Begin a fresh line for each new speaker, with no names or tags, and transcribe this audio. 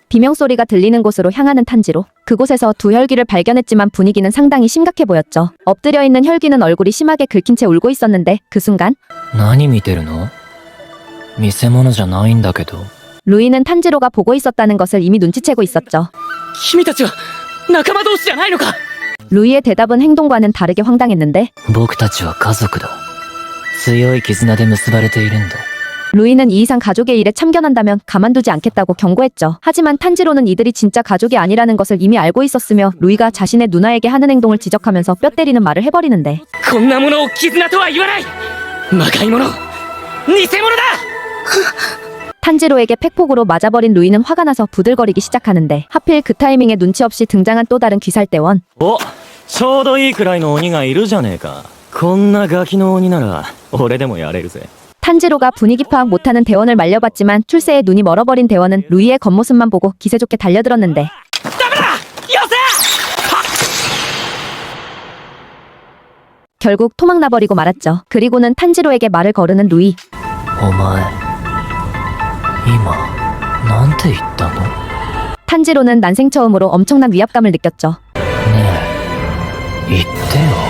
비명소리가 들리는 곳으로 향하는 탄지로. 그곳에서 두 혈귀를 발견했지만 분위기는 상당히 심각해 보였죠. 엎드려 있는 혈귀는 얼굴이 심하게 긁힌 채 울고 있었는데 그 순간
何見てるの見せ物じゃないんだけど
루이는 탄지로가 보고 있었다는 것을 이미 눈치채고 있었죠.
君たちは仲間同士じゃないのか。
루이의 대답은 행동과는 다르게 황당했는데
僕たちは家族だ強い絆で結ばれているんだ
루이는 이 이상 가족의 일에 참견한다면 가만두지 않겠다고 경고했죠. 하지만 탄지로는 이들이 진짜 가족이 아니라는 것을 이미 알고 있었으며 루이가 자신의 누나에게 하는 행동을 지적하면서 뼈 때리는 말을 해버리는데
こんなものを絆とは言わない。魔界者、偽物だ。
탄지로에게 팩폭으로 맞아버린 루이는 화가 나서 부들거리기 시작하는데 하필 그 타이밍에 눈치 없이 등장한 또 다른 귀살대원.
おちょうどいいくらいの鬼がいるじゃねえかこんなガキの鬼なら俺でもやれるぜ
탄지로가 분위기 파악 못하는 대원을 말려봤지만 출세에 눈이 멀어버린 대원은 루이의 겉모습만 보고 기세 좋게 달려들었는데
ダメだ。よせ。
결국 토막나버리고 말았죠. 그리고는 탄지로에게 말을 거르는 루이.
お前今なんて言ったの
탄지로는 난생 처음으로 엄청난 위압감을 느꼈죠.
ねえ言ってよ